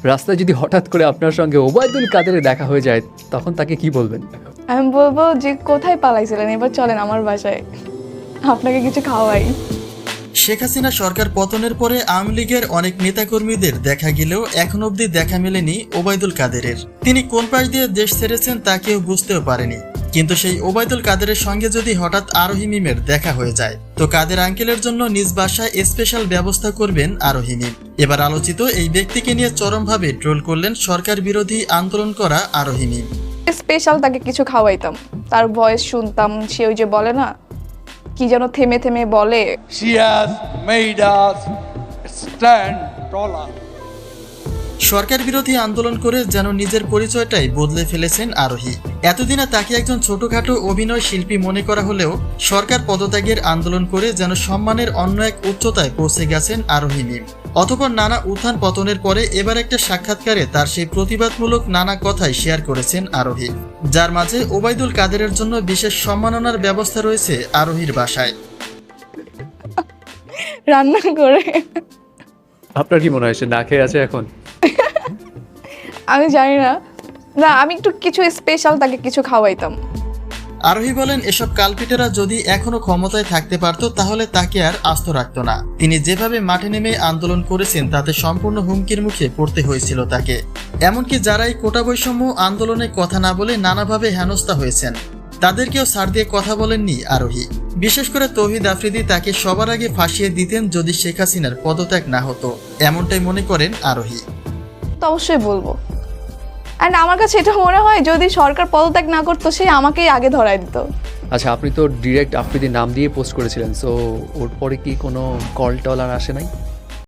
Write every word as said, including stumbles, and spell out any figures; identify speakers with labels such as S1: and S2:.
S1: রাস্তায় যদি হঠাৎ করে আপনার সঙ্গে ওবায়দুল কাদেরের দেখা হয়ে যায় তখন তাকে কি বলবেন?
S2: আমি বলবো যে কোথায় পালাইছিলেন, এবার চলেন আমার বাসায়, আপনাকে কিছু খাওয়াই।
S3: শেখ হাসিনা সরকার পতনের পরে আওয়ামী লীগের অনেক নেতাকর্মীদের দেখা গেলেও এখন অবধি দেখা মেলেনি ওবায়দুল কাদেরের। তিনি কোন পাশ দিয়ে দেশ ছেড়েছেন তা কেউ বুঝতেও পারেনি। কিন্তু সেই ওবায়দুল কাদেরের সঙ্গে যদি হঠাৎ আরোহী মিমের দেখা হয়ে যায় তো কাদের আঙ্কেলের জন্য নিজ বাসায় স্পেশাল ব্যবস্থা করবেন আরোহী মিম। এবার আলোচিত এই ব্যক্তিকে নিয়ে চরমভাবে ট্রোল করলেন সরকার বিরোধী আন্দোলন করা আরোহী মিম।
S2: স্পেশাল তাকে কিছু খাওয়াইতাম, তার ভয়েস শুনতাম, সে ওই যে বলে না কি যেন থেমে থেমে বলে,
S4: She has made us stand taller.
S3: সরকার বিরোধী আন্দোলন করে যেন নিজের পরিচয়টাই বদলে ফেলেছেন আরোহী। এতদিনে তাকে একজন ছোটখাটো অভিনয় শিল্পী মনে করা হলেও সরকার পদত্যাগের আন্দোলন করে যেন সম্মানের অন্য এক উচ্চতায় পৌঁছে গেছেন আরোহী মিম। অতঃপর নানা উত্থান পতনের পরে এবার একটা সাক্ষাৎকারে তার সেই প্রতিবাদমূলক নানা কথাই শেয়ার করেছেন আরোহী, যার মাঝে ওবায়দুল কাদেরের জন্য বিশেষ সম্মাননার ব্যবস্থা রয়েছে আরোহীর বাসায়
S2: রান্না করে।
S1: আপনার কি মনে হয় সে না খেয়ে আছে এখন?
S2: আমি জানি না, না আমি একটু কিছু স্পেশাল তাকে কিছু খাওয়াইতাম।
S3: আরোহী বলেন, এসব কালপিটেরা যদি এখনো ক্ষমতায় থাকতে পারত তাহলে তাকে আর আস্ত রাখত না। তিনি যেভাবে মাঠে নেমে আন্দোলন করেছেন তাতে সম্পূর্ণ হুমকির মুখে পড়তে হয়েছিল তাকে। এমনকি যারা এই কোটা বৈষম্য আন্দোলনে কথা না বলে নানাভাবে হেনস্থা হয়েছেন তাদেরকেও ছাড় দিয়ে কথা বলেননি আরোহী। বিশেষ করে তৌহিদ আফ্রিদি তাকে সবার আগে ফাঁসিয়ে দিতেন যদি শেখ হাসিনার পদত্যাগ না হতো, এমনটাই মনে করেন আরোহী।
S2: তো অবশ্যই বলবো। অ্যান্ড আমার কাছে এটা মনে হয় যদি সরকার পদত্যাগ না করতো সে আমাকেই আগে ধরায় দিত।
S1: আচ্ছা, আপনি তো ডিরেক্ট আফ্রিদির নাম দিয়ে পোস্ট করেছিলেন, সো ওর পরে কি কোনো কল টল আর আসে নাই?